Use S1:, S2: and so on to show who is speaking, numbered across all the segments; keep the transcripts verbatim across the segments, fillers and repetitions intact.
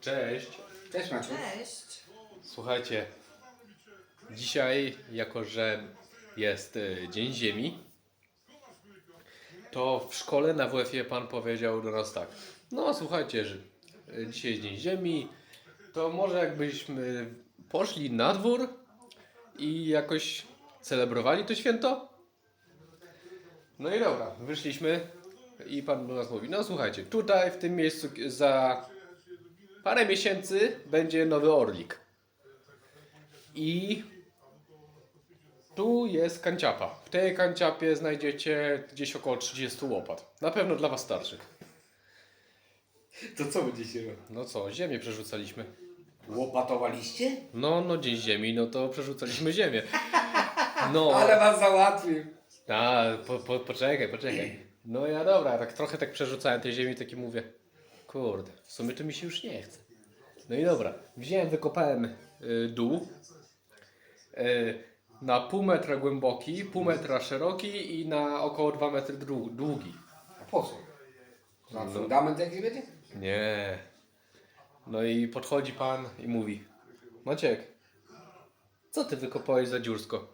S1: Cześć.
S2: Cześć Maciu.
S3: Cześć.
S1: Słuchajcie, dzisiaj, jako że jest y, Dzień Ziemi, to w szkole na W F-ie pan powiedział do nas tak. No słuchajcie, że y, dzisiaj jest Dzień Ziemi, to może jakbyśmy poszli na dwór i jakoś celebrowali to święto? No i dobra, wyszliśmy i pan do nas mówi, no słuchajcie, tutaj w tym miejscu za parę miesięcy będzie nowy Orlik. I tu jest kanciapa. W tej kanciapie znajdziecie gdzieś około trzydzieści łopat. Na pewno dla was starszy.
S2: To co będziecie robić?
S1: No co, ziemię przerzucaliśmy.
S2: Łopatowaliście?
S1: No, no dzień ziemi, no to przerzucaliśmy ziemię. No,
S2: Ale was załatwił.
S1: a, po, po, poczekaj, poczekaj. No ja dobra, tak trochę tak przerzucałem tej ziemi, taki mówię, kurde, w sumie to mi się już nie chce. No i dobra, wziąłem, wykopałem y, dół. Y, na pół metra głęboki, pół metra szeroki i na około dwa metry dru- długi.
S2: A po co? Za
S1: No.
S2: fundament jakiś będzie?
S1: Nie. No i podchodzi pan i mówi, Maciek, co ty wykopałeś za dziursko?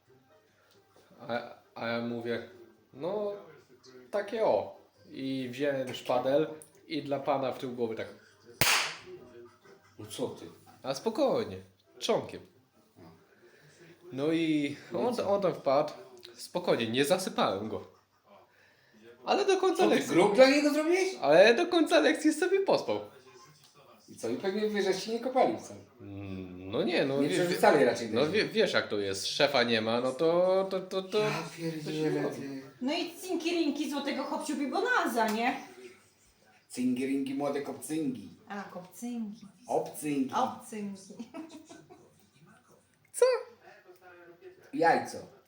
S1: A, a ja mówię, no takie o. I wziąłem szpadel i dla pana w tył głowy tak,
S2: No co ty?
S1: a spokojnie, trzonkiem. No i on, on tam wpadł, spokojnie, nie zasypałem go. Ale do końca
S2: Co ty,
S1: lekcji,
S2: grób dla niego zrobiłeś?
S1: ale do końca lekcji sobie pospał.
S2: I co? I pewnie wy żeście nie kopali wcale.
S1: Mm, No nie, no
S2: Nie
S1: wie-
S2: przerzucali raczej
S1: No
S2: tej
S1: wie, wiesz jak to jest, szefa nie ma, no to to to to.
S2: Ja pierdzielę ty.
S3: No i cinki-rinki złotego hopciu bibonalza, nie?
S2: Cingiringi, młode kopcyngi.
S3: A, kopcynki.
S2: Obcyngi.
S3: Obcynki.
S1: Co?
S2: Jajco.